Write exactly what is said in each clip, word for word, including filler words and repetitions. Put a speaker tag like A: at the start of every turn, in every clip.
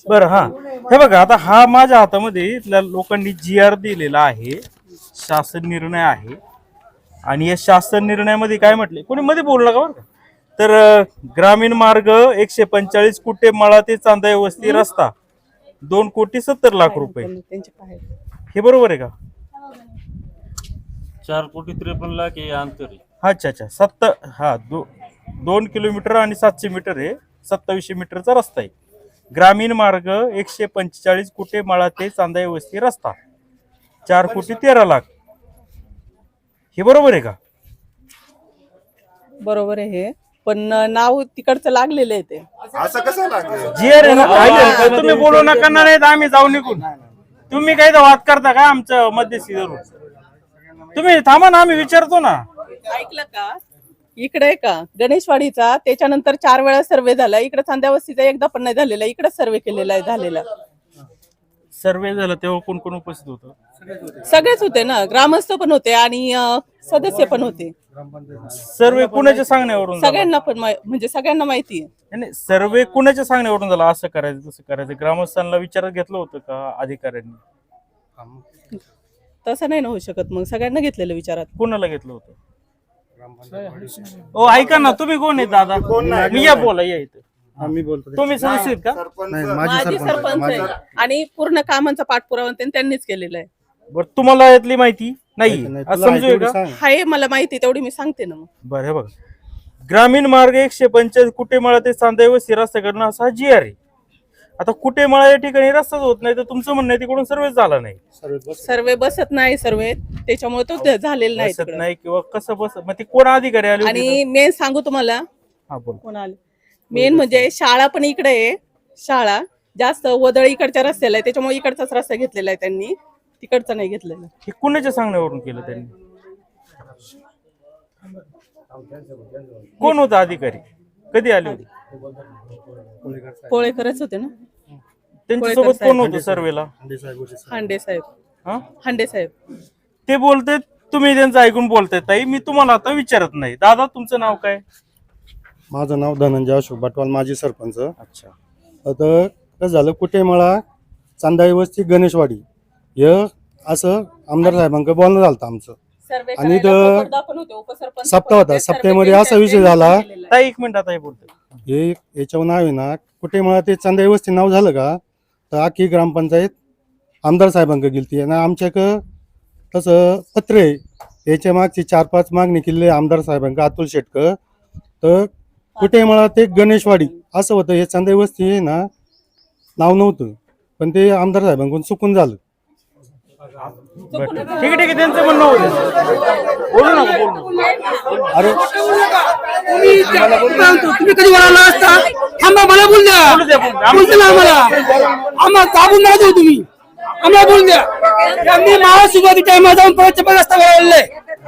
A: बरं हा हे बघा आता हा माझ्या हातामध्ये इथल्या लोकांनी जी आर दिलेला आहे, शासन निर्णय आहे आणि या शासन निर्णयामध्ये काय म्हटले कोणी मध्ये बोललं का बरं का? तर अं, ग्रामीण मार्ग एकशे पंचेचाळीस कुटे मळा ते चांदा वस्ती रस्ता दोन कोटी सत्तर लाख रुपये हे बरोबर आहे का?
B: चार कोटी त्रेपन्न लाख हे अंतर आहे.
A: अच्छा अच्छा सत्त हा दो दोन किलोमीटर आणि सातशे मीटर आहे, सत्तावीसशे मीटरचा रस्ता आहे. ग्रामीण मार्ग एकशे पंचेचाळीस कुटे मळा ते चांदा वस्ती रस्ता चार कोटी तेरा लाख हे बरोबर आहे का?
C: बरोबर आहे हे, पण नाव तिकडचं लागलेलं आहे ते.
D: असं कसं लागलं?
A: जी आर आहे ना ऐका, तुम्ही बोलू नका ना, नाही तर आम्ही जाऊ निघून. तुम्ही काही तर वाद करता का आमचं मध्यस्थी धरून? तुम्ही थांबा ना, आम्ही विचारतो ना.
C: ऐकलं का? इकडे आहे का गणेशवाडीचा, त्याच्यानंतर चार वेळा सर्वे झाला. इकडे चांद्यावस्तीचा एकदा पण नाही झालेला, इकडे सर्वे केलेला आहे झालेला.
A: सर्वे झाला तेव्हा कोण कोण उपस्थित होतं?
C: सगळेच होते ना, ग्रामस्थ पण होते आणि अं, सदस्य पण होते.
A: सर्वे कुणाच्या सांगण्यावरून झाला?
C: सगळ्यांना पण माहि- म्हणजे सगळ्यांना माहिती आहे.
A: नाही, नाही, सर्वे कुणाच्या सांगण्यावरून झाला? असं करायचं तसं करायचं, ग्रामस्थांना विचारात घेतलं होतं का अधिकाऱ्यांनी?
C: तसं नाही ना होऊ शकत, मग सगळ्यांना घेतलेलं विचारात.
A: कोणाला घेतलं होतं? ओ ऐका ना, तुम्ही कोण आहे दादा? मी या बोला या इथे.
E: आम्ही बोलतो
A: तुम्ही सदस्य आहेत का?
D: सरपंच
C: माझी सरपंच आहे आणि पूर्ण कामांचा पाठपुरावा त्यां- त्यांनीच केलेला आहे.
A: बरं तुम्हाला यातली माहिती नाही असं समजूया का?
C: हाय मला माहिती तेवढी मी सांगते ना. मग
A: बरं हे बघा, ग्रामीण मार्ग एकशे पंचाळीस कुटेमाळा ते चांदावस्ती रस्ता करणं असा जी आर आहे. आता कुटेमाळा या ठिकाणी रस्ताच होत नाही, तर तुमचं म्हणणं आहे तिकडून सर्वे झाला नाही,
C: सर्वे बसत नाही, सर्वे त्याच्यामुळे तो ध- झालेला नाही
A: बसत
C: तिकडं.
A: नाही किंवा कसं बस मग ते कोण अधिकारी आले होते
C: आणि मेन सांगू तुम्हाला
A: का? हा बोल.
C: कोण आले मेन म्हणजे शाळा पण इकडे आहे. शाळा जास्त वदळ इकडच्या रस्त्याला आहे, त्याच्यामुळे इकडचाच रस्ता घेतलेला आहे त्यांनी, तिकडचा नाही घेतलेला.
A: हे कुणाच्या सांगण्यावरून केलं त्यांनी? कोण होता अधिकारी? कधी आले होते?
C: पोळेकरच होते ना,
A: त्यांच्यासोबत कोण होतं सर्वेला?
C: हांडे साहेब.
A: हा
C: हांडे साहेब
A: ते बोलते, तुम्ही त्यांचं ऐकून बोलताय. ताई मी तुम्हाला आता विचारत नाही. दादा तुमचं नाव काय?
E: माझं नाव धनंजय अशोक बटवाल, माजी सरपंच.
A: अच्छा,
E: आता कसं झालं, कुटेमाळा चांदाई वस्ती गणेशवाडी हे असं आमदार साहेबांकडे बोलणं झालं आमचं.
C: सर्वे
E: आणि
C: करायला
E: इथं
C: सप्ताह पण होते, उपसरपंच
E: सप्ताह
C: पण
E: होता.
C: होते, सर्वे
E: सप्त्यामध्ये
C: केलेला
E: असा
C: आहे,
E: विषय
C: त्यांनी
E: झाला.
C: केलेला आहे.
A: ताई एक मिनिट आता हे बोलतोय.
E: हे याच्यावर नाव आहे ना, कुटेमाळा ते चांदाई वस्ती नाव झालं का, तर अख्खी ग्रामपंचायत आमदार साहेबांकडे गेलती आणि आमच्याकडं तसं पत्र आहे. याच्या मागची चार पाच मागणी केली आमदार साहेबांकडे, अतुल शेटकर. तर कुटेमाळा ते गणेशवाडी असं होतं. हे चांदाई वस्ती आहे ना नाव नव्हतं, पण ते आमदार साहेबांकडून चुकून झालं.
A: बरं, ठीक आहे ठीक आहे, त्यांचं म्हणणं होतं. बोलू नका बोलू.
E: अरे
F: तुम्ही कधी बोलायला असता? थांबा, मला बोल द्या.
A: बोलू द्या, बोलू द्या.
F: बोलते ना आम्हाला, आम्हाला दाबून नका देऊ तुम्ही, आम्हाला बोल द्या. मी महासुरुवाती टाइम जाऊन परत चपल रस्ता वळवलाय.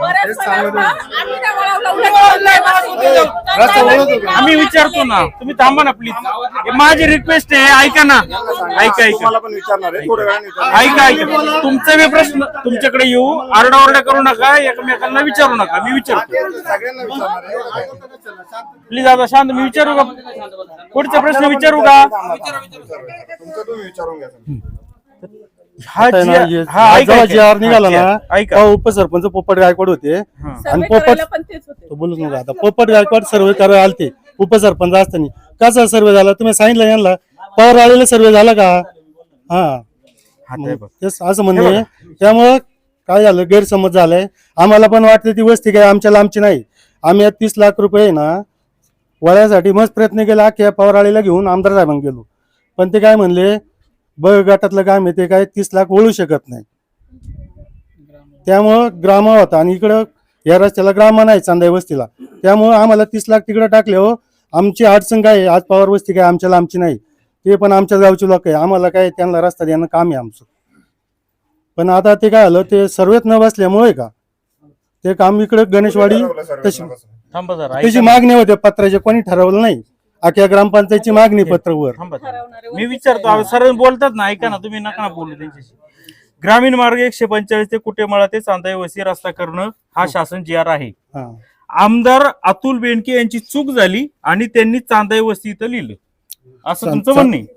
A: आम्ही विचारतो ना, तुम्ही थांबा ना प्लीज. माझी रिक्वेस्ट आहे, ऐका ना, ऐका ऐका
D: मला पण विचारणार आहे थोड्या वेळाने विचारणार.
A: ऐका ऐका तुमचा मी प्रश्न तुमच्याकडे येऊ, आरडाओरडा करू नका, एकमेकांना विचारू नका. मी विचारतो
D: सगळ्यांना विचारणार आहे.
A: प्लीज. आता शांत, मी विचारू का? पुढचा प्रश्न विचारू का?
D: तुमचं तुम्ही विचारून घ्या.
A: हा
E: आता आहे ना,
A: जी-
E: हे-
A: हा
E: हा
A: ऐका
E: जेव्हा
A: ऐका.
E: जी आर निघाला
A: हा,
E: ना,
A: ऐका
E: तेव्हा उपसरपंच पोपट गायकवाड होते.
A: हा.
E: आणि
C: सर्वे
E: पोपट
C: करायला पण तेच होते.
E: तो बोलूच नका आता. पोपट गायकवाड सर्वे करायला आलते उपसरपंच असताना. कसा सर्वे झाला तुम्ही सांगितलं यांना? पवार आलेला सर्वे झाला का? हा
A: हा, ते बघ.
E: तेच असं म्हणणे. त्यामुळं काय झालं, गैरसमज झालाय. आम्हाला पण वाटते ती वस्ती काय आमच्या लांबची नाही. आम्ही तीस लाख रुपये ना वळ्यासाठी मस्त प्रयत्न केला, अख्ख्या पवार आलेला घेऊन आमदार साहेबांना गेलो. पण ते काय म्हणले, ब गटातलं काम आहे ते काय तीस लाख वळू शकत नाही. त्यामुळं ग्राम होता आणि इकडं या रस्त्याला ग्राम नाही चांदाई वस्तीला. त्यामुळं आम्हाला तीस लाख तिकडे टाकले. हो आमची अडचण काय आहे, आज पवार वस्ती काय आमच्या आमची नाही, ते पण आमच्या गावचे लोक आहे. आम्हाला काय त्यांना रस्ता देणं काम आहे आमचं. पण आता ते काय झालं, ते सर्वेत न बसल्यामुळे का ते काम इकडे गणेशवाडी तशी
A: थांबा जरा,
E: त्याची
A: ऐका ना.
E: मागणी होते पत्राचे, कोणी ठरवलं नाही. अख्ख्या ग्रामपंचायतची मागणी पत्रवर.
A: थांबा थांबा. मी विचारतो, सर बोलतात ना, ऐका ना, तुम्ही नका बोलू त्यांच्याशी. ग्रामीण मार्ग एकशे पंचेचाळीस ते कुटेमाळा ते चांदाई वस्ती रस्ता करणं हा शासन जी आर आहे.
E: हा
A: आमदार अतुल बेनके यांची चूक झाली आणि त्यांनी चांदाई वस्ती इथं लिहिलं, असं
E: चा-
A: तुमचं
E: चा-
A: म्हणणं आहे?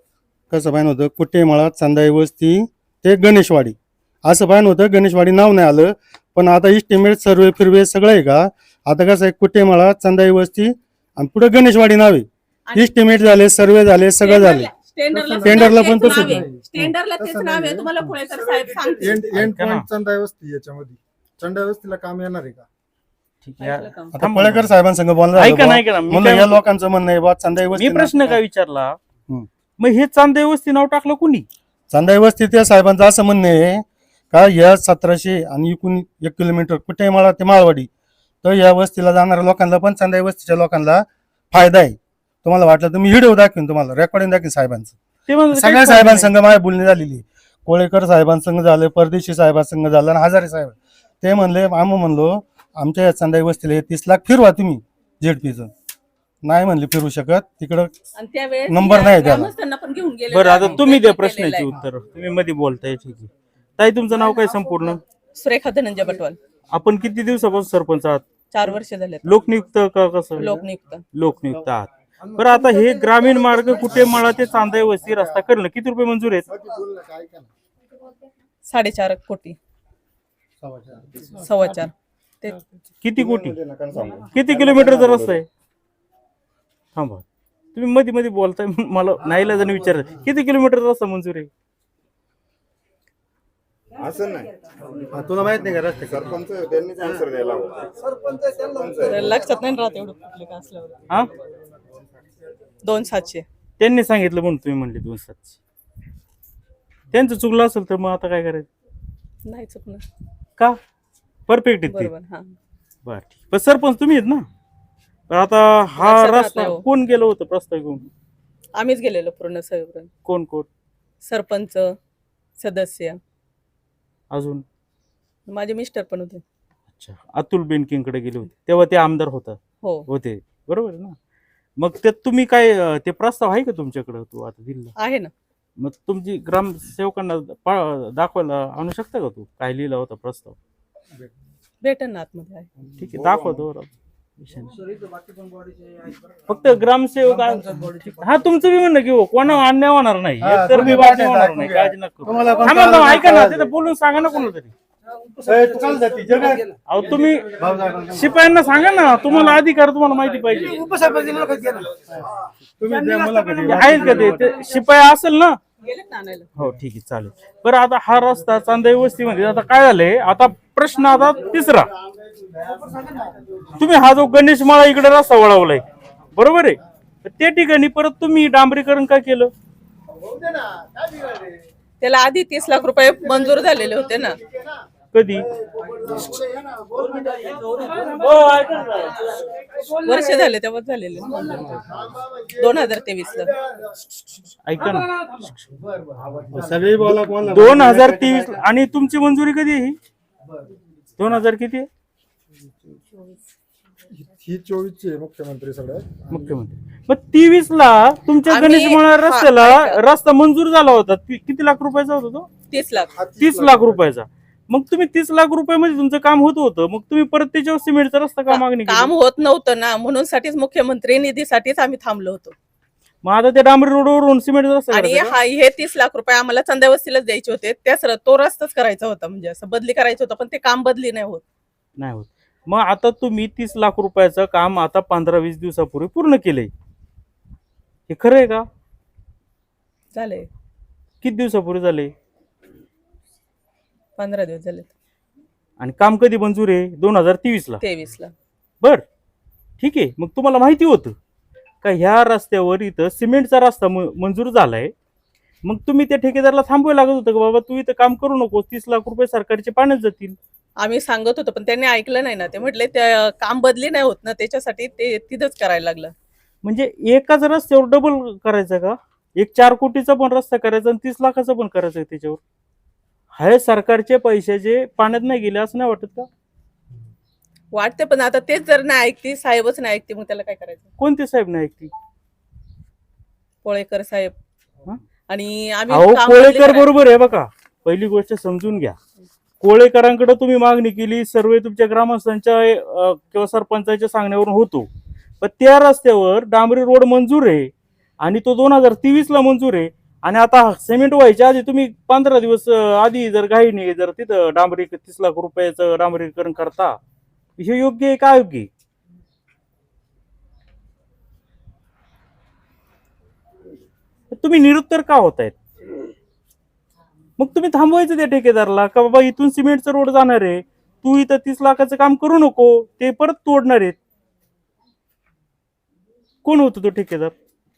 E: कसं पाहिजे होतं कुटेमाळा चांदाई वस्ती ते गणेशवाडी असं पाहिजे होतं. गणेशवाडी नाव नाही आलं, पण आता इस्टिमेट सर्वे फिरवे सगळं आहे का. आता कसं आहे कुटेमाळा चांदाई वस्ती आणि पुढे गणेशवाडी नावे
C: आणि
E: इस्टिमेट झाले, सर्वे झाले, सगळं झाले.
C: स्टँडर्डला
E: स्टँडर्डला पण
C: तेच
E: तसंच
C: नाव आहे.
E: आहे.
C: स्टँडर्डला तेच नाव आहे. तुम्हाला पुणेकर साहेब सांगतील.
D: एंड एंड
A: ऐका ना.
D: पॉइंट चंदाई वस्ती याच्यामध्ये चंदाई वस्तीला काम येणार आहे का?
A: ठीक आहे.
C: ऐकलं का?
E: आता पळेकर साहेबांसंग बोलणं
A: ऐका
E: झालं
A: ना
E: बा.
A: ऐका ना मी
E: म्हणलं
A: काय
E: या लोकांचं म्हणणं आहे बा चांदाई
A: मी
E: वस्ती
A: प्रश्न काय विचारला
E: हम्म.
A: मग हे चांदे वस्ती नाव टाकलं कुणी?
E: चांदाई वस्ती त्या साहेबांचं असं म्हणणं आहे का या सतराशे आणि एकूण एक किलोमीटर कुटेमाळा ते माळवाडी तर या वस्तीला जाणाऱ्या लोकांना पण चांदाई वस्तीच्या लोकांना फायदा आहे. तुम्हाला वाटलं तर मी व्हिडिओ दाखवीन, तुम्हाला रेकॉर्डिंग दाखवीन साहेबांचं.
A: ते म्हणलं
E: सगळ्या
A: काहीच
E: साहेबांसंग माझ्या बोलणी झालेली. कोळेकर साहेबांसंग झालं, परदेशी साहेबांसंग झालं आणि हजारे साहेब ते म्हणले आम्ही म्हणलो आमच्या या चांदाई वस्तीला हे तीस लाख फिरवा तुम्ही झेडपीचं. नाही म्हणले फिरू शकत तिकडं
C: आणि त्यावेळेस
E: नंबर नाही त्याला.
C: ग्रामस्थांना पण घेऊन गेले.
A: बरं आता तुम्ही द्या प्रश्नाची उत्तर. तुम्ही मध्ये बोलताय ठीक आहे. ताई तुमचं नाव काय संपूर्ण?
C: सुरेखा धनंजय बटवाल.
A: आपण किती दिवसापासून सरपंच आहात?
C: चार वर्ष झाले.
A: लोकनियुक्त का कसं?
C: लोकनियुक्त.
A: लोकनियुक्त आहात. बरं आता हे ग्रामीण मार्ग कुटेमाळा ते चांदाई वस्ती रस्ता करणं किती रुपये मंजूर आहेत?
C: साडेचार कोटी सव्वा चार ते
A: किती कोटी?
D: नका सांगू.
A: किती किलोमीटरचा रस्ता आहे? थांबा तुम्ही मध्ये मध्ये बोलताय मला नाहीला जण विचार किती किलोमीटरचा रस्ता मंजूर आहे?
D: असं नाही,
E: हा, तुला माहित नाही का रस्ते
D: सरपंच त्यांनीच आन्सर द्यायला हवं. सरपंच
C: लक्षात नाही राहत एवढं कुठले का असल्यावर.
A: हा
C: दोन सातशे
A: त्यांनी सांगितलं म्हणून तुम्ही म्हणले दोन सातशे. त्यांचं चुकलं असेल तर मग आता काय करायचं?
C: नाही चुकणार.
A: का परफेक्ट आहेत ते?
C: बरोबर. हा
A: बर ठीक. पण सरपंच तुम्ही आहेत ना. पण आता हा
C: लक्षात राहत
A: रस्ता
C: नाही हो.
A: कोण गेलं होतं प्रस्ताव घेऊन?
C: आम्हीच गेलेलो पूर्ण सगळं.
A: कोण कोण?
C: सरपंच, सदस्य,
A: अजून?
C: माझे मिस्टर पण होते.
A: अच्छा अतुल बेनकेंकडे गेले होते तेव्हा ते आमदार होता
C: हो
A: होते बरोबर आहे ना. मग त्यात तुम्ही काय अं, ते प्रस्ताव आहे का तुमच्याकडे तू आता दिला?
C: आहे ना.
A: मग तुमची ग्रामसेवकांना पा- दाखवायला आणू शकता का तू काय लिहिला होता प्रस्ताव?
C: भेटन ना आतमध्ये आहे.
A: ठीक आहे दाखवतो बरं. विषय नाही. फक्त ग्रामसेवक हा तुमचं बी म्हणणं घेऊ कोणा अन्याय होणार नाही
E: हा,
A: तर मी
E: तुम्ही
A: वाटणे
E: वाटणे
A: होणार
E: दाखवून
A: नाही
E: घ्या.
A: काळजी नका करू.
E: तुम्हाला पण
A: थांबा ना,
E: कळलं
A: ऐका ना
E: नाही.
A: तिथं बोलून सांगा ना कोणाला तरी.
E: ए, तू काल जाती, जगात.
A: अहो तुम्ही शिपायांना सांगा ना तुम्हाला अधिकार तुम्हाला माहिती पाहिजे.
E: तुम्ही द्या मुलाखती.
A: आहेत का ते? ते शिपाई असेल ना.
C: गेलेत ना आणायला.
A: हो ठीक आहे चालेल. बरं आता हा रस्ता चांदाई वस्तीमध्ये आता काय झालंय आता प्रश्न आता तिसरा. तुम्ही हा जो गणेश माळा इकडे रस्ता वळवलाय बरोबर आहे तर त्या ठिकाणी परत तुम्ही डांबरीकरण का केलं?
C: त्याला आधी तीस लाख रुपये मंजूर झालेले होते ना.
A: कधी?
C: वर्ष झाले तेव्हा झालेले दोन हजार तेवीस ला.
A: ऐका ना
E: सगळी बोला कोणाला
A: दोन हजार तेवीस आणि तुमची मंजुरी कधी आहे ही? दोन हजार किती आहे?
D: ही चोवीसची आहे मुख्यमंत्री सगळ्यात.
A: मुख्यमंत्री. मग तेवीस ला तुमच्या
C: आम्ही-
A: गणेश माळा
C: हा,
A: रस्त्याला
C: ऐका.
A: रस्ता मंजूर झाला होता ति- किती लाख रुपयाचा होता तो?
C: तीस लाख.
A: तीस लाख रुपयाचा. मग तुम्ही तीस लाख रुपयामध्ये तुमचं काम होत होतं मग तुम्ही परत त्याच्यावर सिमेंटचा रस्ता का मागणी
C: काम
A: केली?
C: होत नव्हतं ना म्हणून साठीच मुख्यमंत्री निधीसाठीच आम्ही थांबलो होतो.
A: मग आता त्या डांबरी रोडवरून सिमेंटचा रस्ता
C: आणि
A: करायचा का?
C: हा हे तीस लाख रुपये आम्हाला चंद्यावस्तीलाच द्यायचे होते. त्याच र- तो रस्ताच करायचा होता म्हणजे असं बदली करायचं होतं पण ते काम बदली नाही होत.
A: नाही होत. मग आता तुम्ही तीस लाख रुपयाचं काम आता पंधरा वीस दिवसापूर्वी पूर्ण केलंय हे खरं आहे का?
C: झालंय
A: किती दिवसापूर्वी झाले?
C: पंधरा दिवस झाले.
A: आणि काम कधी मंजूर आहे? दोन हजार तेवीस ला.
C: तेवीस ला.
A: बर ठीक आहे. मग तुम्हाला माहिती होतं का ह्या रस्त्यावर इथं सिमेंटचा रस्ता म- मंजूर झालाय मग तुम्ही त्या ठेकेदाराला थांबवायला लागत होतं का बाबा तू इथं काम करू नको तीस लाख रुपये सरकारचे पाण्यात जातील?
C: आम्ही सांगत होतो पण त्यांनी ऐकलं नाही ना. ते म्हटले त्या काम बदली नाही होत ना त्याच्यासाठी ते तिथंच करायला लागलं.
A: म्हणजे एकाच रस्त्यावर डबल करायचं का? एक चार कोटीचा पण रस्ता करायचा आणि तीस लाखाचा पण करायचा त्याच्यावर? हे सरकारचे पैशाचे पाण्यात नाही गेले असं नाही वाटत का?
C: वाटते पण आता तेच जर नाही ऐकते साहेबच नाही ऐकते मग त्याला काय करायचं?
A: कोणते साहेब नाही ऐकते?
C: पोळेकर साहेब.
A: हं?
C: आणि आम्ही
A: अहो
C: काम बदली
A: कोळेकर
C: करायला-
A: बरोबर आहे बघा. पहिली गोष्ट समजून घ्या. कोळेकरांकडे तुम्ही मागणी केली सर्वे तुमच्या ग्रामस्थांच्या अं, किंवा सरपंचाच्या सांगण्यावरून होतो पण त्या रस्त्यावर डांबरी रोड मंजूर आहे आणि तो दोन हजार तेवीस ला मंजूर आहे आणि आता सिमेंट व्हायच्या आधी तुम्ही पंधरा दिवस अं, आधी जर घाईने जर तिथं डांबरी तीस लाख रुपयाचं डांबरीकरण करता, हे योग्य आहे का अयोग्य आहे? तुम्ही निरुत्तर का होतायत? मग तुम्ही थांबवायचं त्या ठेकेदारला का बाबा इथून सिमेंटचा रोड जाणार आहे, तू इथं तीस लाखाचं काम करू नको, ते परत तोडणार आहेत. कोण होतो तो ठेकेदार?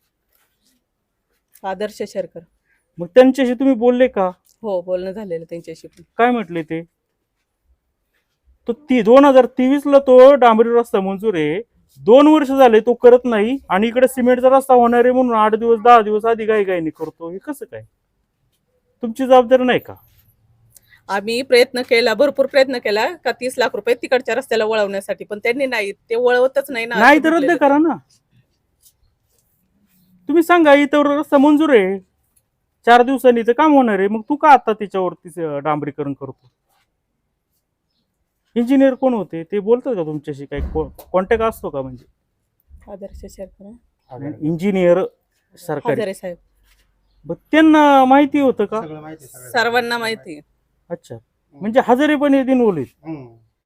C: आदर्श शेरकर.
A: मग त्यांच्याशी तुम्ही बोलले का?
C: हो, बोलणं झालेलं त्यांच्याशी पण.
A: काय म्हटले ते? तो ती दोन हजार तेवीस ला तो डांबरी रस्ता मंजूर आहे, दोन वर्ष झाले तो करत नाही, आणि इकडे सिमेंटचा रस्ता होणार आहे म्हणून आठ दिवस दहा दिवस आधी काही काही करतो. हे कसं काय? तुमची जबाबदारी नाही का?
C: आम्ही प्रयत्न केला, भरपूर प्रयत्न केला का तीस लाख रुपये तिकडच्या रस्त्याला वळवण्यासाठी, पण त्यांनी नाही, ते वळवतच नाही ना.
A: नाही तर रद्द करा ना. तुम्ही सांगा इथं रस्ता मंजूर आहे, चार दिवसांनी इथं काम होणार आहे, मग तू का आता त्याच्यावरती डांबरीकरण करतो? इंजिनियर कोण होते ते बोलतात का तुमच्याशी? काही कॉन्टॅक्ट असतो का? म्हणजे
C: आदर्श शेरकर,
A: इंजिनियर सरकारी,
C: हजारे साहेब,
A: मग त्यांना माहिती होतं का?
E: सगळं माहिती आहे, सगळं.
C: सर्वांना माहिती.
A: अच्छा, म्हणजे हजारे पण येते बोलीत.
E: हम्म.